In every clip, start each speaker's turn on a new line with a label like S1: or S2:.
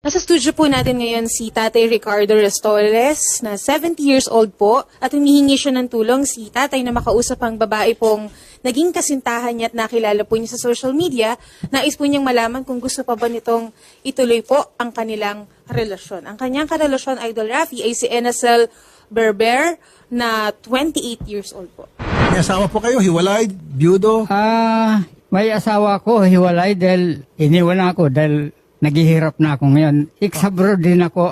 S1: Nasa studio po natin ngayon si Tatay Ricardo Restores na 70 years old po at humihingi siya ng tulong si Tatay na makausap ang babae pong naging kasintahan niya at nakilala po niya sa social media. Nais po niyang malaman kung gusto pa ba nitong ituloy po ang kanilang relasyon. Ang kanyang karelasyon, Idol Rafi, ay si Enacel Berber na 28 years old po.
S2: May asawa po kayo, hiwalay, byudo?
S3: May asawa ko, hiwalay dahil iniwan ako dahil naghihirap na ako ngayon. Abroad din ako.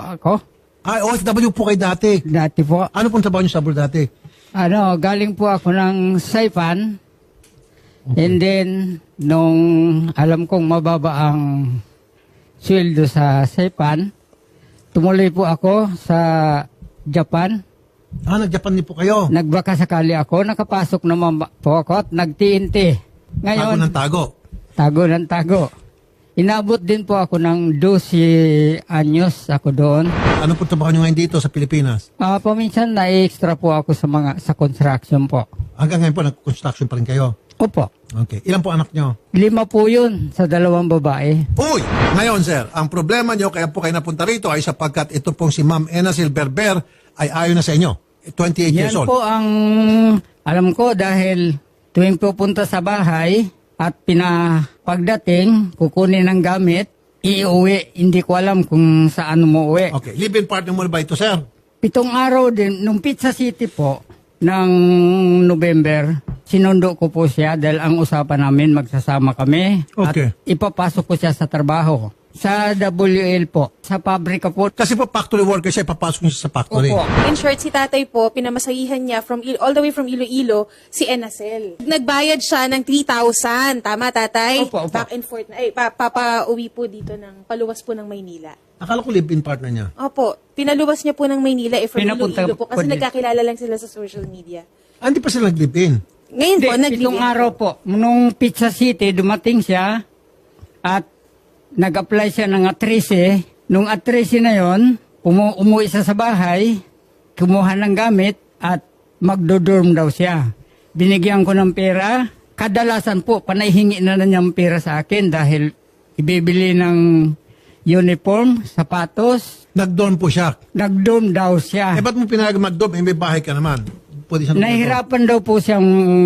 S2: OFW po kayo dati.
S3: Dati po.
S2: Ano pong trabaho niyo sa abroad dati?
S3: Galing po ako ng Saipan. Okay. And then, nung alam kong mababa ang sweldo sa Saipan, tumuloy po ako sa Japan.
S2: Nag-Japan din po kayo?
S3: Nagbaka sakali ako, nakapasok naman po ako at nag-TNT. Ngayon,
S2: tago ng tago?
S3: Tago ng tago. Inabot din po ako ng 12 anyos ako doon.
S2: Ano po trabaho niyo ngayon dito sa Pilipinas?
S3: Paminsan na-extra po ako sa construction po.
S2: Hanggang ngayon po, nag-construction pa rin kayo?
S3: Opo.
S2: Okay. Ilan po anak niyo?
S3: 5 po yun sa 2 babae.
S2: Uy! Ngayon, sir, ang problema niyo, kaya po kayo napunta rito ay sapagkat ito pong si Ma'am Enacel Berber ay ayaw na sa inyo. 28 years
S3: Yan
S2: old.
S3: po ang alam ko dahil tuwing pupunta sa bahay at pagdating, kukunin ng gamit, iuwi. Hindi ko alam kung saan umuwi.
S2: Okay. Live-in partner mo na ba ito, sir?
S3: 7 araw din, nung Pizza City po, ng November, sinundo ko po siya dahil ang usapan namin magsasama kami.
S2: Okay.
S3: At ipapasok ko siya sa trabaho. Sa WL po, sa pabrika po.
S2: Kasi po factory worker siya, papasok niyo siya sa factory.
S3: Opo.
S1: In short, si Tatay po, pinamasahihan niya all the way from Iloilo si Enacel. Nagbayad siya ng 3,000. Tama, Tatay?
S3: Opo.
S1: Back and forth. Papauwi po dito paluwas po ng Maynila.
S2: Akala ko live-in partner niya.
S1: Opo. Pinaluwas niya po ng Maynila from
S3: Pinapunta
S1: Iloilo po kasi
S3: po din.
S1: nagkakilala lang sila sa social media.
S2: Hindi pa sila nag-live-in.
S1: Ngayon po,
S3: Hindi, 7 araw po. Nung Pizza City, dumating siya at nag-apply siya ng atrese. Nung atrese na yon, umuwi siya sa bahay, kumuha ng gamit at magdodorm daw siya. Binigyan ko ng pera. Kadalasan po, panayhingi na niyang pera sa akin dahil ibibili ng uniform, sapatos.
S2: Nag-dorm po siya.
S3: Nag-dorm daw siya.
S2: Ba't mo pinag mag-dorm? May bahay ka naman. Pwede siya
S3: Nahihirapan daw po siyang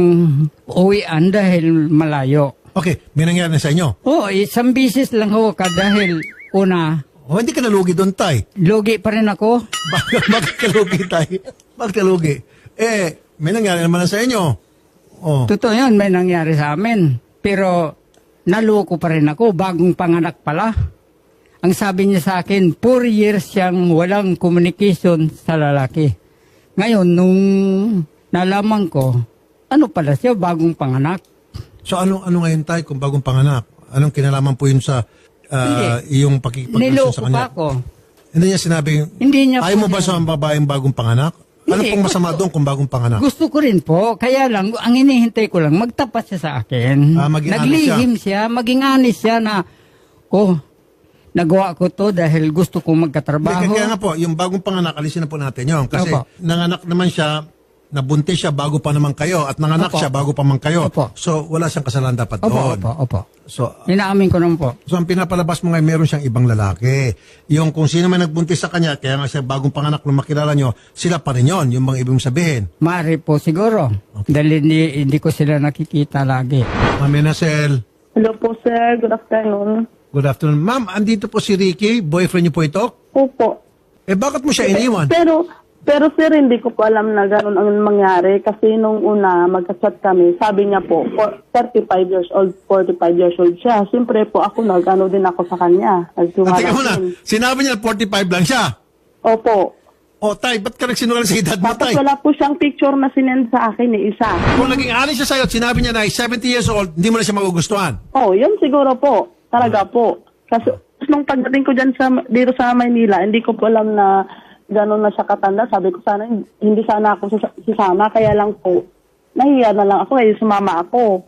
S3: uwian dahil malayo.
S2: Okay, may nangyari na sa inyo.
S3: Oo, isang bisis lang ho dahil una,
S2: Hindi ka nalugi doon, tay.
S3: lugi pa rin ako.
S2: Bakit ka lugi, tay? Bakit ka lugi? May nangyari naman na sa inyo. Oh.
S3: Totoo yan, may nangyari sa amin. Pero naloko pa rin ako, bagong panganak pala. Ang sabi niya sa akin, 4 years siyang walang communication sa lalaki. Ngayon, nung nalaman ko, ano pala siya, bagong panganak.
S2: So ano ngayon, tay, kung bagong panganak? Anong kinalaman po yun sa iyong pakikipagrelasyon
S3: Niloko
S2: sa
S3: pa
S2: kanya?
S3: ako.
S2: Hindi niya sinabing,
S3: Hindi niya
S2: ayaw mo
S3: po
S2: ba sa babaeng bagong panganak? Ano
S3: Hindi,
S2: pong masama doon kung bagong panganak?
S3: Gusto ko rin po, kaya lang, ang inihintay ko lang, magtapat siya sa akin.
S2: Maging
S3: Naglihim siya, maging honest siya na, nagawa ko to dahil gusto kong magkatrabaho.
S2: Kaya nga po, yung bagong panganak, alisin na po natin yun. Kasi
S3: Opo.
S2: nanganak naman siya, nabuntis siya bago pa naman kayo at nanganak
S3: Opo.
S2: siya bago pa man kayo.
S3: Opo.
S2: So, wala siyang kasalanan dapat doon.
S3: Opo.
S2: So,
S3: Inaamin ko naman po.
S2: ang pinapalabas mo ngayon, meron siyang ibang lalaki. Yung kung sino man nagbuntis sa kanya, kaya nga siya bagong panganak nung makilala nyo, sila pa rin yun, yung mga ibig mong sabihin.
S3: Mari po siguro. Dahil hindi ko sila nakikita lagi.
S2: Ma'am Enacel,
S4: Hello po, sir. Good afternoon.
S2: good afternoon. Ma'am, andito po si Ricky, boyfriend niyo po ito?
S4: Opo.
S2: Bakit mo siya iniwan?
S4: Pero sir, hindi ko po alam na gano'n ang mangyari kasi nung una magka-chat kami, sabi niya po, 35 years old, 45 years old siya. Siyempre po ako, nag-ano din ako sa kanya.
S2: Teka muna, sinabi niya 45 lang siya.
S4: Opo.
S2: Tay, ba't ka nagsinungaling sa edad mo,
S4: Tapos
S2: tay?
S4: wala po siyang picture na sinend sa akin ni isa.
S2: Kung naging honest siya sa'yo at sinabi niya na 70 years old, hindi mo na siya magugustuhan.
S4: Yun siguro po. Talaga po. Kasi nung pagdating ko dyan dito sa Maynila, hindi ko po alam na gano'n na siya katanda. Sabi ko sana, hindi sana ako sisama. Kaya lang po, nahiya na lang ako, sumama ako.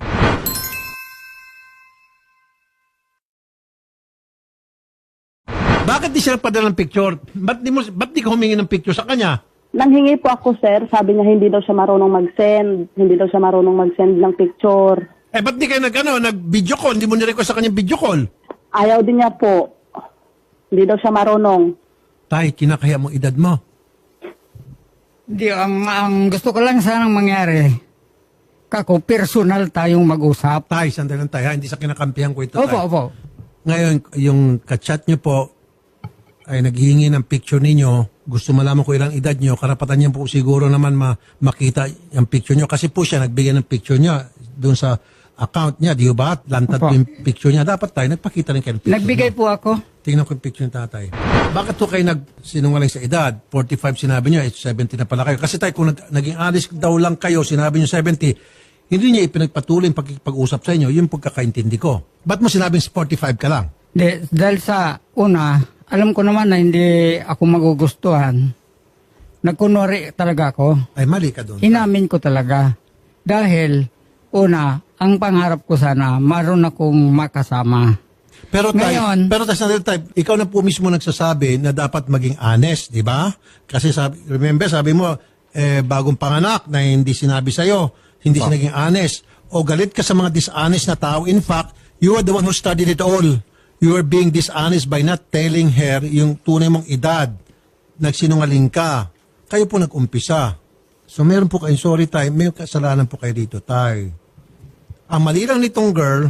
S2: Bakit di siya nagpadala ng picture? Ba't di ka humingi ng picture sa kanya?
S4: Nanghingi po ako, sir. Sabi niya hindi daw siya marunong mag-send. Hindi daw siya marunong mag-send ng picture.
S2: Ba't di kayo nag-video call? Hindi mo nirequest sa kanya video call?
S4: Ayaw din niya po. Hindi daw siya marunong.
S2: Tay, kinakaya mo edad mo.
S3: Hindi, ang gusto ko lang sanang mangyari, kako, personal tayong mag-usap.
S2: Tay, sandali lang tayo, ha? Hindi sa kinakampihan ko ito, tay.
S3: Opo.
S2: Ngayon, yung kachat nyo po ay naghihingi ng picture ninyo. Gusto malaman ko ilang edad nyo. Karapatan niya po siguro naman makita yung picture nyo. Kasi po siya nagbigay ng picture niya doon sa account niya. Di ba? Lantad po
S3: Opo.
S2: yung picture niya. Dapat tayo, nagpakita rin kayo ng picture
S3: Nagbigay
S2: niyo.
S3: po ako.
S2: Tingnan ko yung picture ng tatay. Bakit to kayo nagsinungaling sa edad? 45 sinabi nyo, 70 na pala kayo. Kasi tayo, kung naging honest daw lang kayo, sinabi nyo 70, hindi niya ipinagpatuloy yung pag-usap sa inyo. Yung pagkakaintindi ko. Ba't mo sinabing 45 ka lang?
S3: Dahil sa una, alam ko naman na hindi ako magugustuhan. Nagkunwari talaga ako.
S2: Ay, mali ka doon.
S3: Inamin ko talaga. Dahil, una, ang pangarap ko sana, maroon akong makasama.
S2: Pero
S3: Ngayon-
S2: sandali tayo, ikaw na po mismo nagsasabi na dapat maging honest, di ba? Kasi sabi mo, bagong panganak na hindi sinabi sa'yo, hindi siya naging honest. O galit ka sa mga dishonest na tao. In fact, you are the one who studied it all. You are being dishonest by not telling her yung tunay mong edad. Nagsinungaling ka. Kayo po nag-umpisa. So meron po kayo, sorry tayo, may kasalanan po kayo dito tayo. Ang mali lang nitong girl,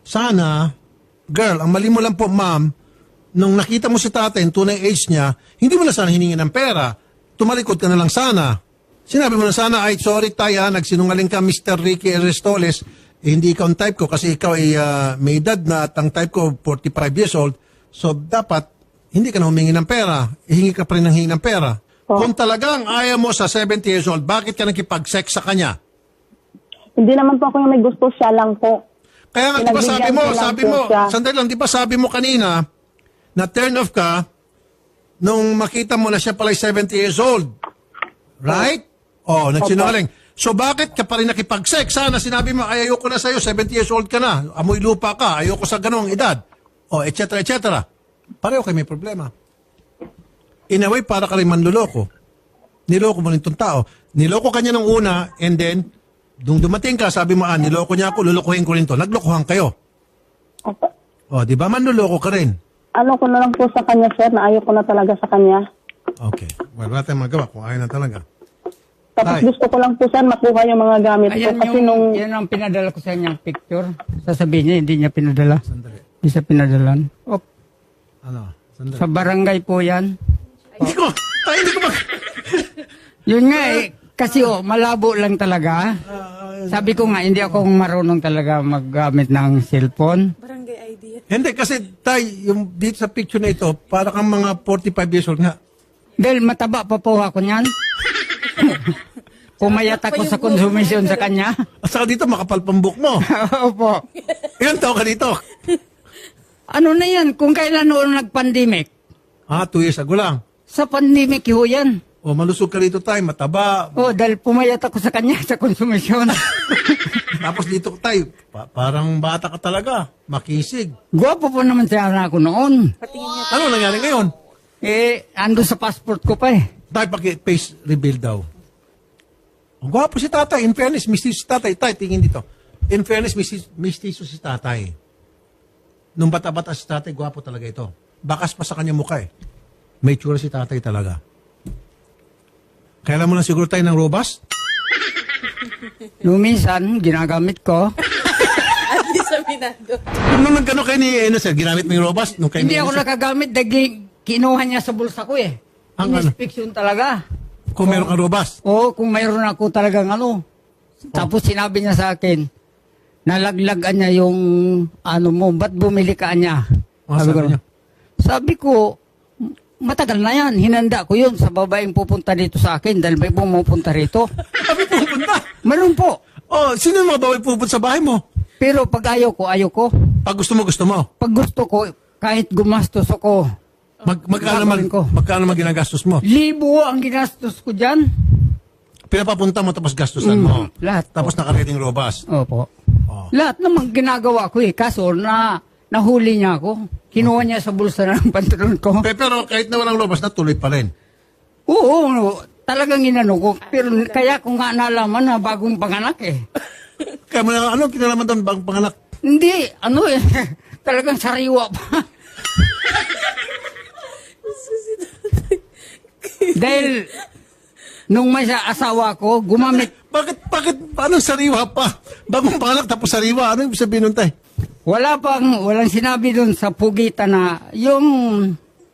S2: ang mali mo lang po, ma'am, nung nakita mo si tatay, yung tunay age niya, hindi mo na sana hiningi ng pera. Tumalikod ka na lang sana. Sinabi mo na sana, ay, sorry tayo, nagsinungaling ka, Mr. Ricky Restoles, hindi ikaw ang type ko kasi ikaw ay may edad na at ang type ko 45 years old. So, dapat, hindi ka na humingi ng pera. Ihingi ka pa rin ng hingi ng pera. Kung talagang ayaw mo sa 70 years old, bakit ka nakipag-sex sa kanya?
S4: Hindi naman po ako yung may gusto, siya lang po.
S2: Kaya nga, di ba sabi mo,
S4: Pinagbigyan ko lang po siya.
S2: sandali lang, di ba sabi mo kanina, na turn off ka, nung makita mo na siya pala 70 years old. Right? Oh, nagsinungaling. So bakit ka pa rin nakipag-sex? Sana sinabi mo, ay ayoko na sa'yo, 70 years old ka na, amoy lupa ka, ayoko sa ganong edad. Oh, et cetera. Pareho kayo may problema. In a way, para ka rin manluloko. Niloko mo rin itong tao. Niloko ka niya ng una, and then, nung dumating ka, sabi mo, niloko niya ako, lulukuhin ko rin to. Naglokohan kayo.
S4: Opo.
S2: Oh, di ba manluloko ka rin?
S4: Ano ko na lang po sa kanya, sir, na ayaw ko na talaga sa kanya.
S2: Okay. Well, wala tayong magawa kung ayaw na talaga.
S4: Tapos
S2: Tay.
S4: gusto ko lang po, sir, makuha yung mga gamit ko.
S3: Ayan
S4: Kasi nung
S3: yan ang pinadala ko sa kanya picture. Sasabihin niya, hindi niya pinadala.
S2: Sandali.
S3: Hindi siya pinadalan.
S2: Ano? Sandali.
S3: Sa barangay po yan.
S2: Hindi ko. Hindi ko
S3: Yun nga kasi malabo lang talaga. Sabi ko nga, hindi ako marunong talaga maggamit ng cellphone.
S1: Barangay idea.
S2: Hindi, kasi yung dito sa picture na ito, para kang mga 45 years old nga.
S3: Dahil mataba pa po ako niyan. Pumayat ako sa konsumisyon sa kanya.
S2: At saka dito, makapal pambuk mo.
S3: Opo.
S2: Ilan taon ka dito?
S3: Ano na yan? Kung kailan noon nag-pandemic?
S2: 2 years ago lang.
S3: Sa pandemic ho yan.
S2: O, malusog ka dito tayo, mataba.
S3: Dahil pumayat ako sa kanya sa konsumisyon.
S2: Tapos dito tayo, parang bata ka talaga. Makisig.
S3: Gwapo po naman siya na ako noon.
S2: Ano nangyari ngayon?
S3: Ando sa passport ko pa eh.
S2: Tayo face reveal daw. Ang gwapo si tatay. In fairness, mistiso si tatay. Tayo, tingin dito. In fairness, mistiso si tatay. Nung bata-bata si tatay, gwapo talaga ito. Bakas pa sa kanya mukha eh. May tsura si tatay talaga. Kailan mo lang siguro tayo ng robust?
S3: Noong minsan, ginagamit ko.
S1: At least saminado.
S2: Nung nagkano kayo ni sir, ginamit mo yung robust? Nung kayo
S3: Hindi
S2: ni
S3: ako
S2: Enos, sir?
S3: nakagamit dahil kinuha niya sa bulsa ko eh.
S2: Ang ano?
S3: Inspection talaga.
S2: Kung meron kang robust.
S3: Oo, kung mayroon ako talagang ano. Tapos sinabi niya sa akin, nalaglagan niya yung ano mo, ba't bumili ka niya?
S2: Sabi niya?
S3: Sabi ko, matagal na yan. Hinanda ko yun sa babaeng pupunta dito sa akin dahil may pumupunta rito.
S2: Sabi pupunta.
S3: Meron po.
S2: Oh, sino yung mga bawal pupunta sa bahay mo?
S3: Pero pag ayaw ko, ayaw ko.
S2: Pag gusto mo, gusto mo.
S3: Pag gusto ko, kahit gumastos ako,
S2: Magkano naman ginagastos mo?
S3: libo ang ginastos ko dyan.
S2: Pinapapunta mo tapos gastusan mo.
S3: Lahat.
S2: Tapos nakareading robust.
S3: Opo.
S2: Oh.
S3: Lahat naman ginagawa ko eh. Kaso nahuli niya ako. Kinuha niya sa bulsa ng pantalon ko.
S2: Pero kahit na walang robust, natuloy pa rin.
S3: Oo, talagang inano ko. Pero kaya ko nga nalaman na bagong panganak eh.
S2: Kaya mo na, kinalaman doon bang panganak?
S3: Hindi, talagang sariwa pa. Dahil nung may asawa ko, gumamit.
S2: Paano sariwa pa? Bagong panganak tapos sariwa. Ano ibig sabihin nun, tay?
S3: Walang sinabi dun sa pugitan na yung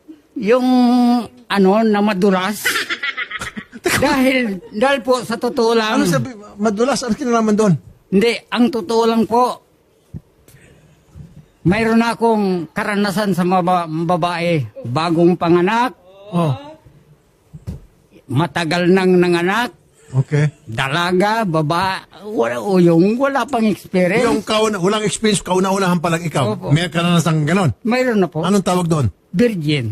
S3: na madulas. dahil po sa totoo lang.
S2: Ano sabi? Madulas? Ano kinalaman doon?
S3: Hindi, ang totoo lang po, mayroon akong karanasan sa babae. Bagong panganak,
S2: Oh.
S3: matagal nang nanganak,
S2: Okay.
S3: dalaga, wala pang experience.
S2: Yung walang experience, kauna-unahan pa lang ikaw.
S3: Opo.
S2: May karanasan ganon.
S3: Mayroon na po.
S2: Anong tawag doon?
S3: Virgin.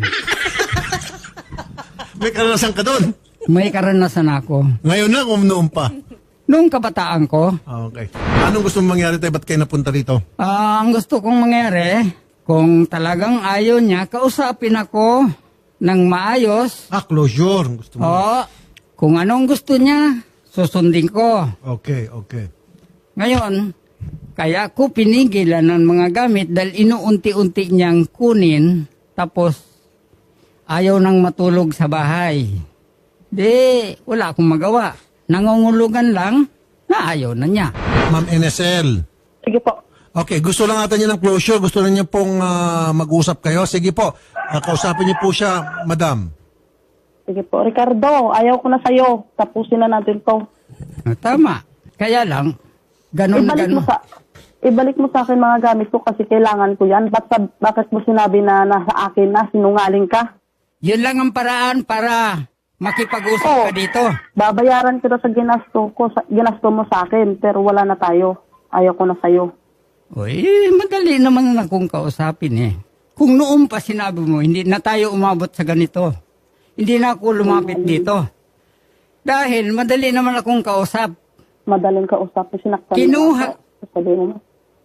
S2: May karanasan ka doon.
S3: May karanasan ako.
S2: Ngayon na, noon pa.
S3: Noong kabataan ko,
S2: Okay. Anong gusto mong mangyari tayo? Ba't kayo napunta rito?
S3: ang gusto kong mangyari, kung talagang ayaw niya, kausapin ako ng maayos.
S2: Closure. Gusto mo?
S3: Kung anong gusto niya, susundin ko.
S2: Okay.
S3: Ngayon, kaya ko pinigilan ng mga gamit dahil inuunti-unti niyang kunin, tapos ayaw nang matulog sa bahay. Wala akong magawa. Nangungulugan lang na ayaw na niya.
S2: Ma'am NSL.
S4: Sige po.
S2: Okay, gusto lang natin niya ng closure. Gusto lang niya pong mag-usap kayo. Sige po, kausapin niyo po siya, madam.
S4: Sige po. Ricardo, ayaw ko na sa'yo. Tapusin na natin to.
S3: Tama. Kaya lang, ganun na ganun.
S4: Ibalik mo sa akin mga gamit ko kasi kailangan ko yan. Bakit mo sinabi na nasa akin na sinungaling ka?
S3: Yun lang ang paraan para makipag-usap ka dito.
S4: Babayaran kita sa ginasto mo sa akin, pero wala na tayo. Ayaw ko na sa'yo.
S3: Uy, madali naman akong kausapin eh. Kung noon pa sinabi mo, hindi na tayo umabot sa ganito. Hindi na ako lumapit dito. Dahil madali naman akong kausap.
S4: Madaling kausap. Sinaktan
S3: Kinuha.
S4: Sabihin mo.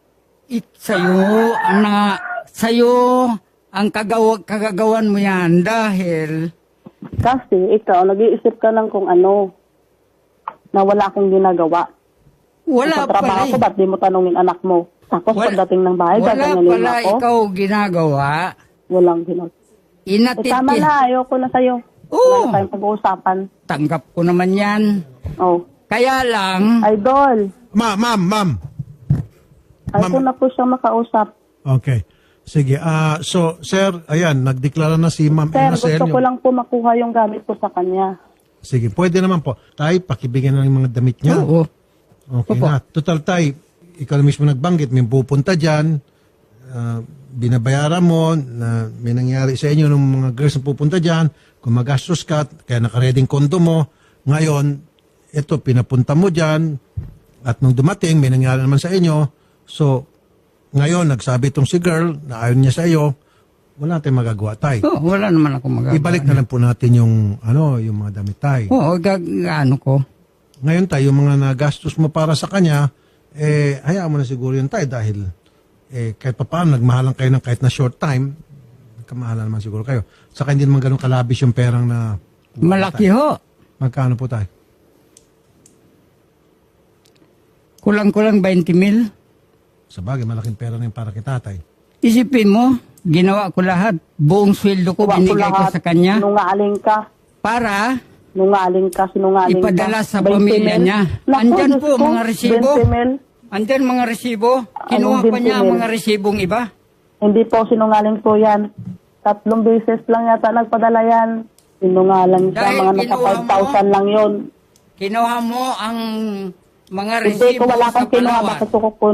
S3: Sa'yo ang kagagawan mo yan dahil
S4: Kasi ikaw, nag-iisip ka lang kung ano, na wala akong ginagawa.
S3: wala
S4: Sa trabaho
S3: pala.
S4: ko, ba't di mo tanungin anak mo? Tapos pagdating ng bahay,
S3: wala
S4: gaganyanin
S3: pala
S4: ako.
S3: ikaw ginagawa.
S4: Walang ginagawa.
S3: Inatid
S4: Tama na, ayoko na sa'yo.
S3: Oo.
S4: Wala na tayong pag-uusapan.
S3: Tanggap ko naman yan.
S4: Oh.
S3: Kaya lang,
S4: Idol,
S2: Ma'am.
S4: ayoko na po siyang makausap.
S2: Okay. Sige. So, sir, ayan, nagdeklara na si Ma'am
S4: Sir,
S2: NSL.
S4: gusto ko lang po makuha yung gamit ko sa kanya.
S2: Sige, pwede naman po. Tay, pakibigyan na ng mga damit niya.
S3: oo.
S2: Okay
S3: Opo.
S2: na. Total, tay, ikaw na mismo nagbanggit, may pupunta dyan, binabayaran mo, na may nangyari sa inyo ng mga girls na pupunta dyan, kung magastos ka, kaya nakareding kondo mo, ngayon, ito, pinapunta mo dyan, at nung dumating, may nangyari naman sa inyo, so, ngayon, nagsabi itong si girl, na ayaw niya sa iyo, wala tayong magagawa, tay.
S3: Oo, wala naman ako magagawa.
S2: Ibalik na lang po natin yung mga damit, tay.
S3: Oo, ano ko.
S2: Ngayon tayo, yung mga nagastos mo para sa kanya, hayaan mo na siguro yun tayo dahil kahit pa paano, nagmahalan kayo ng kahit na short time, nagkamahalan naman siguro kayo. Saka hindi naman ganun kalabis yung perang na...
S3: Malaki ho.
S2: Magkano po tayo?
S3: Kulang-kulang 20 mil.
S2: Sa bagay, malaking pera na yung para kay tatay.
S3: Isipin mo, ginawa ko lahat. Buong sweldo ko, binigay ko sa kanya.
S4: Sinungaling ka.
S3: Para
S4: Sinungaling
S3: ipadala
S4: ka.
S3: sa
S4: 20
S3: pamilya
S4: mil.
S3: niya.
S4: Naku,
S3: Andyan
S4: Diyos
S3: po,
S4: ko,
S3: mga resibo.
S4: 20 mil.
S3: Andyan mga resibo. Kinuha
S4: Anong
S3: pa niya
S4: 20
S3: ang
S4: mil?
S3: mga resibong iba.
S4: Hindi po, sinungaling po yan. 3 beses lang yata nagpadala yan. Sinungaling siya,
S3: Dahil
S4: mga nasa
S3: kinuha mo?
S4: 5,000 lang yun.
S3: Kinuha mo ang mga
S4: Hindi
S3: resibo
S4: ko wala
S3: sa
S4: kang kinuha,
S3: Palawan.
S4: bakit ko